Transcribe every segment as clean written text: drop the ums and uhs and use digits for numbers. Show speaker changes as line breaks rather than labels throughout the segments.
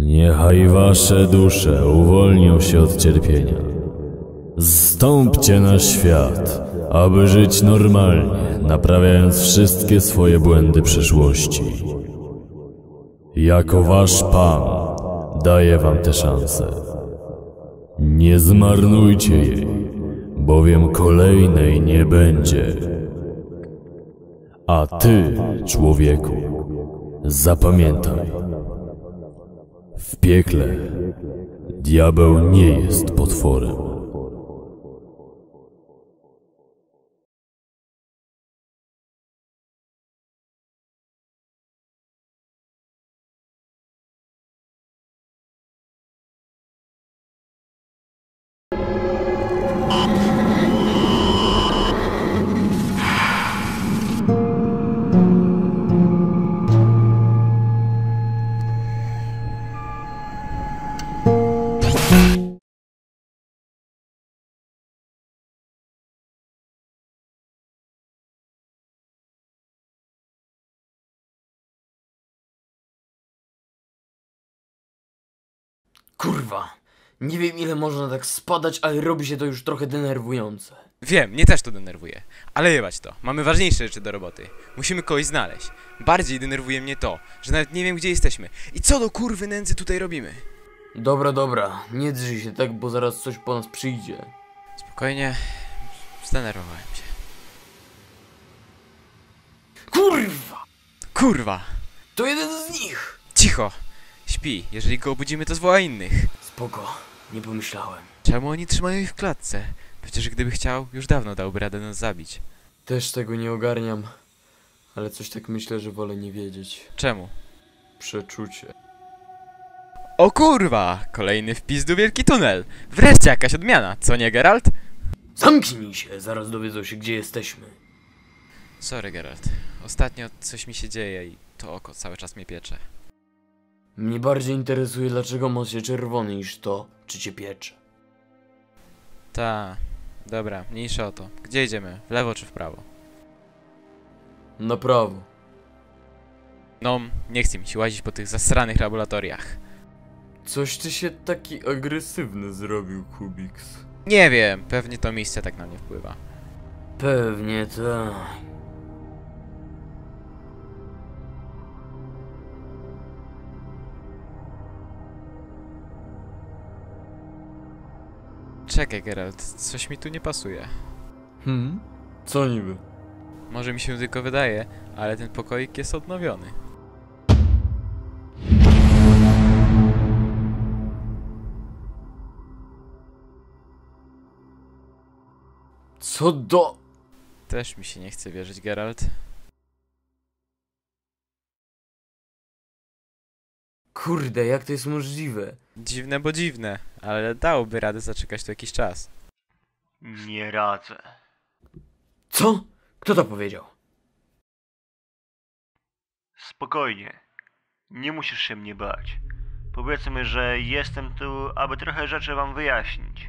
Niechaj wasze dusze uwolnią się od cierpienia. Zstąpcie na świat, aby żyć normalnie, naprawiając wszystkie swoje błędy przeszłości. Jako wasz Pan daję wam tę szansę. Nie zmarnujcie jej, bowiem kolejnej nie będzie. A ty, człowieku, zapamiętaj. W piekle diabeł nie jest potworem.
Kurwa, nie wiem ile można tak spadać, ale robi się to już trochę denerwujące.
Wiem, mnie też to denerwuje. Ale jebać to, mamy ważniejsze rzeczy do roboty. Musimy kogoś znaleźć. Bardziej denerwuje mnie to, że nawet nie wiem gdzie jesteśmy. I co do kurwy nędzy tutaj robimy?
Dobra, nie drzyj się tak, bo zaraz coś po nas przyjdzie.
Spokojnie, zdenerwowałem się.
Kurwa!
Kurwa!
To jeden z nich!
Cicho! Śpi, jeżeli go obudzimy to zwoła innych.
Spoko, nie pomyślałem.
Czemu oni trzymają ich w klatce? Przecież gdyby chciał, już dawno dałby radę nas zabić.
Też tego nie ogarniam, ale coś tak myślę, że wolę nie wiedzieć.
Czemu?
Przeczucie.
O kurwa! Kolejny wpis do wielki tunel! Wreszcie jakaś odmiana, co nie Geralt?
Zamknij się, zaraz dowiedzą się gdzie jesteśmy.
Sorry Geralt, ostatnio coś mi się dzieje i to oko cały czas mnie piecze.
Mnie bardziej interesuje, dlaczego most się czerwony niż to, czy cię piecze.
Ta, dobra, mniejsza o to. Gdzie idziemy? W lewo czy w prawo?
Na prawo.
No, nie chcę mi się łazić po tych zasranych laboratoriach.
Coś ty się taki agresywny zrobił, Kubiks.
Nie wiem, pewnie to miejsce tak na mnie wpływa.
Pewnie tak.
Czekaj Geralt, coś mi tu nie pasuje.
Co niby?
Może mi się tylko wydaje, ale ten pokoik jest odnowiony.
Co do...
Też mi się nie chce wierzyć, Geralt.
Kurde, jak to jest możliwe?
Dziwne, bo dziwne, ale dałoby radę zaczekać tu jakiś czas.
Nie radzę.
Co? Kto to powiedział?
Spokojnie. Nie musisz się mnie bać. Powiedzmy, że jestem tu, aby trochę rzeczy wam wyjaśnić.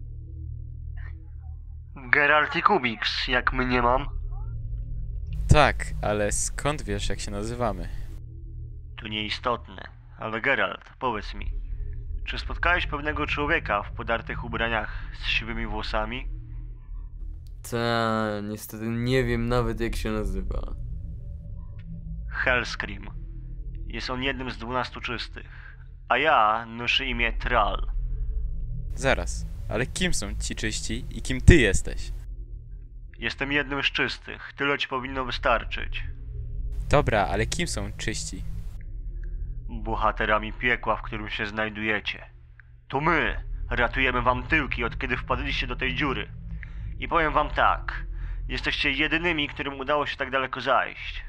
Geralt i Kubiks, jak mnie mam?
Tak, ale skąd wiesz jak się nazywamy?
To nieistotne. Ale Geralt, powiedz mi. Czy spotkałeś pewnego człowieka w podartych ubraniach z siwymi włosami?
Ta, niestety nie wiem nawet jak się nazywa.
Hellscream. Jest on jednym z 12 czystych. A ja noszę imię Thrall.
Zaraz, ale kim są ci czyści i kim ty jesteś?
Jestem jednym z czystych. Tyle ci powinno wystarczyć.
Dobra, ale kim są czyści?
Bohaterami piekła, w którym się znajdujecie. To my ratujemy wam tyłki, od kiedy wpadliście do tej dziury. I powiem wam tak. Jesteście jedynymi, którym udało się tak daleko zajść.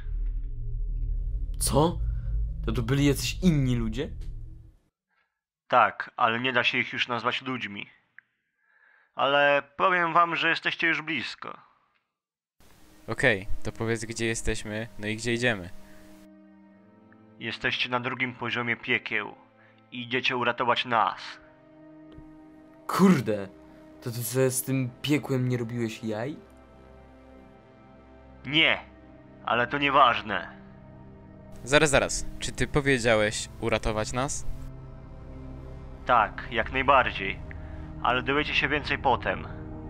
Co? To tu byli jacyś inni ludzie?
Tak, ale nie da się ich już nazwać ludźmi. Ale powiem wam, że jesteście już blisko.
Okej, to powiedz gdzie jesteśmy, no i gdzie idziemy.
Jesteście na drugim poziomie piekieł. I idziecie uratować nas.
Kurde, to ty sobie z tym piekłem nie robiłeś jaj?
Nie, ale to nieważne.
Zaraz, czy ty powiedziałeś uratować nas?
Tak, jak najbardziej. Ale dowiecie się więcej potem.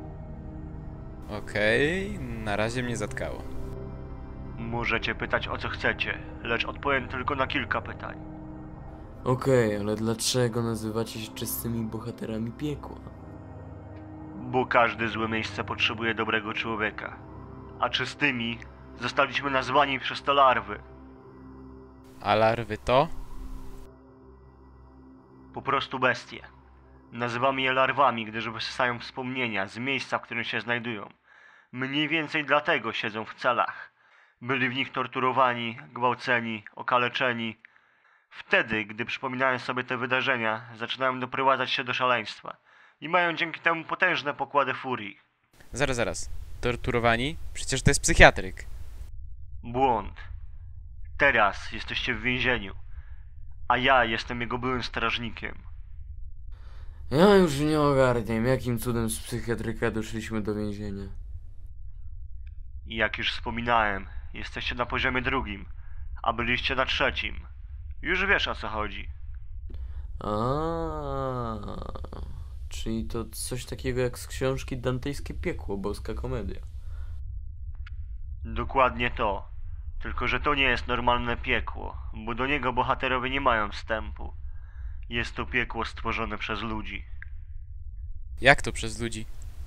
Okej, na razie mnie zatkało.
Możecie pytać o co chcecie, lecz odpowiem tylko na kilka pytań.
Okej, ale dlaczego nazywacie się czystymi bohaterami piekła?
Bo każde złe miejsce potrzebuje dobrego człowieka. A czystymi zostaliśmy nazwani przez to larwy.
A larwy to?
Po prostu bestie. Nazywamy je larwami, gdyż wysysają wspomnienia z miejsca, w którym się znajdują. Mniej więcej dlatego siedzą w celach. Byli w nich torturowani, gwałceni, okaleczeni. Wtedy, gdy przypominają sobie te wydarzenia, zaczynają doprowadzać się do szaleństwa. I mają dzięki temu potężne pokłady furii.
Zaraz. Torturowani? Przecież to jest psychiatryk.
Błąd. Teraz jesteście w więzieniu, a ja jestem jego byłym strażnikiem.
Ja już nie ogarniam, jakim cudem z psychiatryka doszliśmy do więzienia.
I jak już wspominałem, jesteście na poziomie 2, a byliście na 3. Już wiesz o co chodzi.
Czyli to coś takiego jak z książki Dantejskie Piekło, boska komedia.
Dokładnie to. Tylko że to nie jest normalne piekło, bo do niego bohaterowie nie mają wstępu. Jest to piekło stworzone przez ludzi.
Jak to przez ludzi?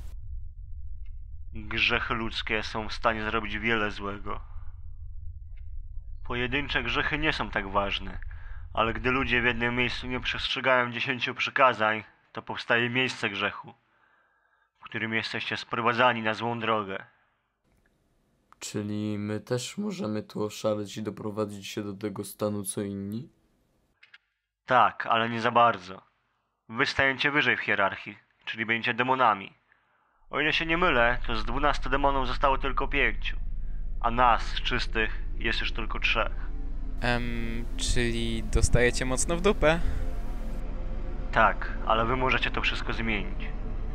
Grzechy ludzkie są w stanie zrobić wiele złego. Pojedyncze grzechy nie są tak ważne, ale gdy ludzie w jednym miejscu nie przestrzegają 10 przykazań, to powstaje miejsce grzechu, w którym jesteście sprowadzani na złą drogę.
Czyli my też możemy tu oszaleć i doprowadzić się do tego stanu co inni?
Tak, ale nie za bardzo. Wy stajecie wyżej w hierarchii, czyli będziecie demonami. O ile się nie mylę, to z 12 demonów zostało tylko 5, a nas, czystych, jest już tylko 3.
Czyli dostajecie mocno w dupę?
Tak, ale wy możecie to wszystko zmienić.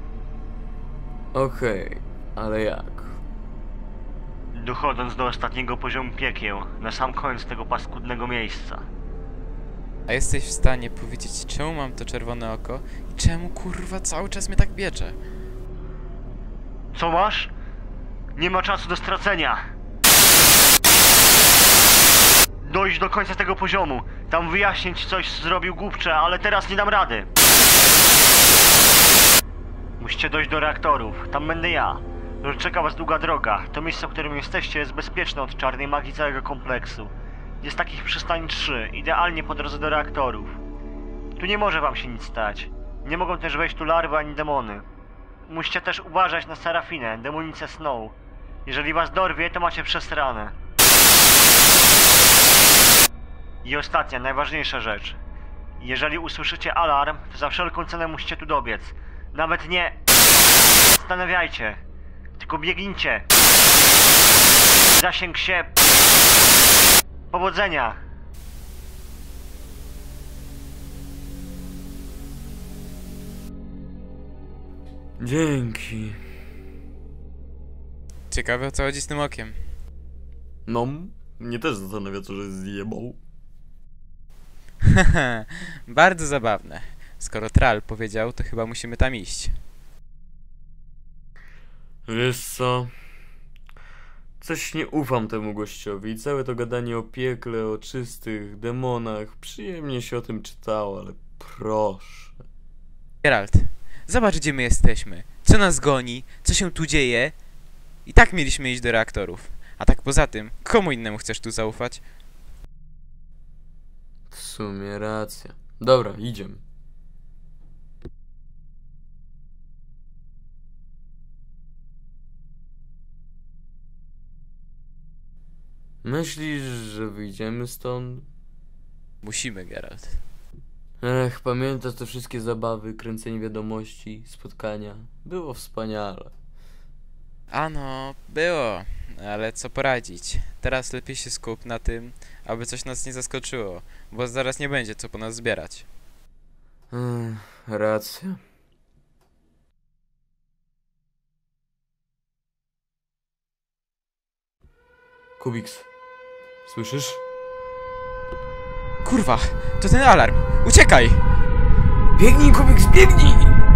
Okej, ale jak?
Dochodząc do ostatniego poziomu piekieł, na sam koniec tego paskudnego miejsca.
A jesteś w stanie powiedzieć, czemu mam to czerwone oko i czemu kurwa cały czas mnie tak biecze?
Co masz? Nie ma czasu do stracenia. Dojść do końca tego poziomu. Tam wyjaśnić coś zrobił głupcze, ale teraz nie dam rady. Musicie dojść do reaktorów. Tam będę ja. Czeka was długa droga. To miejsce, w którym jesteście, jest bezpieczne od czarnej magii całego kompleksu. Jest takich przystań 3, idealnie po drodze do reaktorów. Tu nie może wam się nic stać. Nie mogą też wejść tu larwy ani demony. Musicie też uważać na Serafinę, demonicę Snow. Jeżeli was dorwie, to macie przesrane. I ostatnia, najważniejsza rzecz. Jeżeli usłyszycie alarm, to za wszelką cenę musicie tu dobiec. Nawet nie... zastanawiajcie. Tylko biegnijcie. Zasięg się... Powodzenia!
Dzięki.
Ciekawe o co chodzi z tym okiem.
No, mnie też zastanawia, co że zjebał.
Bardzo zabawne. Skoro Tral powiedział, to chyba musimy tam iść.
Wiesz co? Coś nie ufam temu gościowi. Całe to gadanie o piekle, o czystych demonach. Przyjemnie się o tym czytało, ale proszę.
Geralt, zobacz gdzie my jesteśmy. Co nas goni? Co się tu dzieje? I tak mieliśmy iść do reaktorów. A tak poza tym, komu innemu chcesz tu zaufać?
W sumie racja. Dobra, idziemy. Myślisz, że wyjdziemy stąd?
Musimy, Geralt.
Pamiętasz te wszystkie zabawy, kręcenie wiadomości, spotkania? Było wspaniale.
Ano, było. Ale co poradzić? Teraz lepiej się skup na tym, aby coś nas nie zaskoczyło, bo zaraz nie będzie co po nas zbierać.
Racja. Kubiks, słyszysz?
Kurwa, to ten alarm! Uciekaj!
Biegnij, Kubiks, biegnij!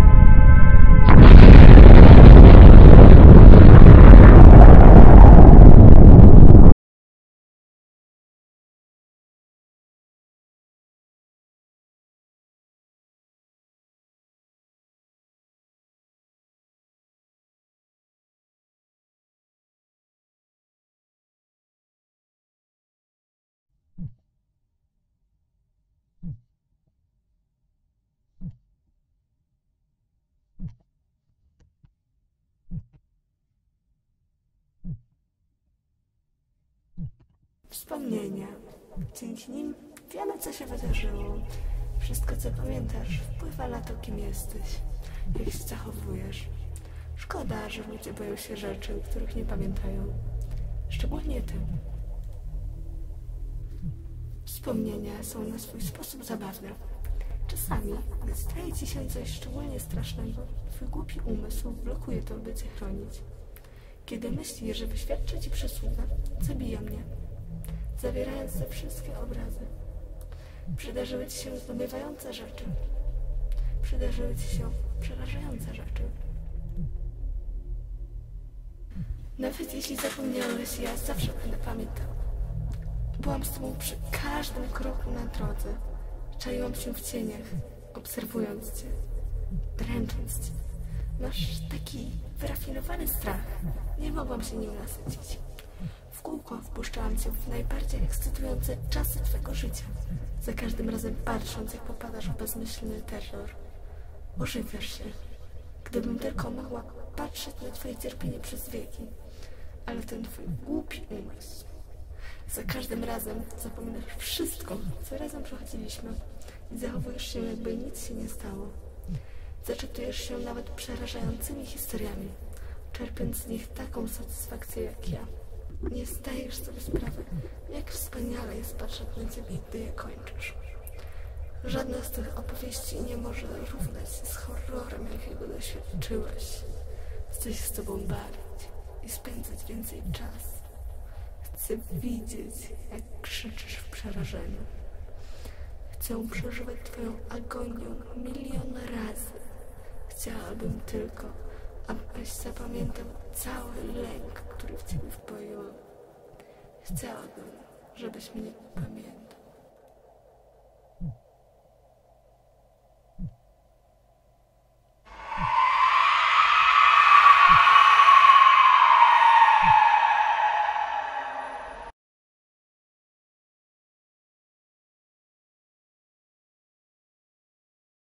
Wspomnienia. Dzięki nim wiele co się wydarzyło. Wszystko co pamiętasz wpływa na to, kim jesteś, jak się zachowujesz. Szkoda, że ludzie boją się rzeczy, których nie pamiętają. Szczególnie ty. Wspomnienia są na swój sposób zabawne. Czasami, gdy staje ci się coś szczególnie strasznego, twój głupi umysł blokuje to, by cię chronić. Kiedy myśli, że wyświadcza ci przysługę, zabija mnie, zawierając te wszystkie obrazy. Przydarzyły ci się zdumiewające rzeczy. Przydarzyły ci się przerażające rzeczy. Nawet jeśli zapomniałeś, ja zawsze będę pamiętał. Byłam z tobą przy każdym kroku na drodze. Czaiłam się w cieniach, obserwując cię, dręcząc cię. Masz taki wyrafinowany strach. Nie mogłam się nim nasycić. W kółko wpuszczałam cię w najbardziej ekscytujące czasy twego życia. Za każdym razem patrząc, jak popadasz w bezmyślny terror. Ożywiasz się. Gdybym tylko mogła patrzeć na twoje cierpienie przez wieki. Ale ten twój głupi umysł. Za każdym razem zapominasz wszystko, co razem przechodziliśmy i zachowujesz się, jakby nic się nie stało. Zaczytujesz się nawet przerażającymi historiami, czerpiąc z nich taką satysfakcję jak ja. Nie zdajesz sobie sprawy, jak wspaniale jest patrzeć na ciebie, gdy je kończysz. Żadna z tych opowieści nie może równać się z horrorem, jakiego doświadczyłeś. Chcę się z tobą bawić i spędzać więcej czasu. Chcę widzieć, jak krzyczysz w przerażeniu. Chcę przeżywać twoją agonię milion razy. Chciałabym tylko, abyś zapamiętał cały lęk, który w ciebie wpoiłam. Chciałabym, żebyś mnie pamiętał.